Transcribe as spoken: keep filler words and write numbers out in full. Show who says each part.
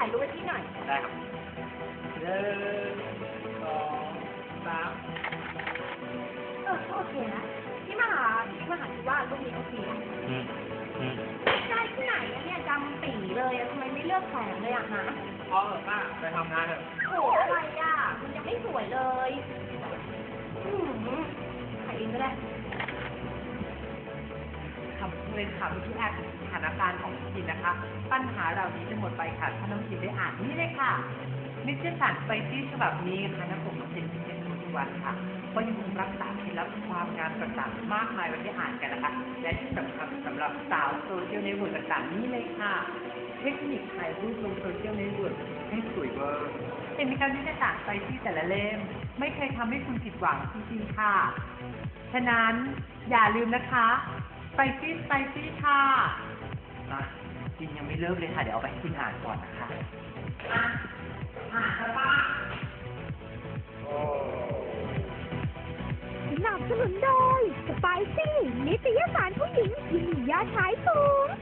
Speaker 1: ายรูปไว้ที่หน่อย
Speaker 2: ได้ครับหนึ่งสองสาม
Speaker 1: เออโอเคนะพี่มหาพี่มหาคิดว่ารูปนี้โอเคอ่ะ
Speaker 2: อืมอืม
Speaker 1: ได้ที่ไหนอะเนี่ยจำปีเลยอะทำไมไม่เลือกแสงเลยอะฮะ
Speaker 2: พอเถอะป้าไปทำงานเถอะ
Speaker 1: โอ้อะไรอะมันยังไม่สวยเลยอืมถ่ายเองก็ได้
Speaker 3: คำเลยค่ะพี่แอดสถานการณ์ของพี่นะคะ ปัญหาเหล่านี้จะหมดไปค่ะถ้าน้องจินได้อ่านนี่เลยค่ะนิตยสารไปที่ฉบับนี้ค่ะนะผมเป็นพิเศษทุกวันค่ะก็ยังคงรักษาเคล็ดลับความงามต่างๆมากมายไว้ให้อ่านกันนะคะและที่สำคัญสำหรับสาวโซเชียลเน็ตเวิร์กต่างๆนี่เลยค่ะเทคนิคถ่ายรูปลงโซเชียลเน็ตเวิร์กให้สวยเวอร์เป็นการนิตยสารไปที่แต่ละเล่มไม่เคยทำให้คุณผิดหวังจริงๆค่ะฉะนั้นอย่าลืมนะคะไปซี่ไปซี่ค่ะอ่ะจริงยังไม่เริ่มเลยค่ะ เดี๋ยวเอาไปให้คุณอ่านก่อนนะคะอ่ะอ่านกันป่ะ
Speaker 4: สนับสนุนโดยสไปซี่นิตยสารผู้หญิงที่มียอดขายสูง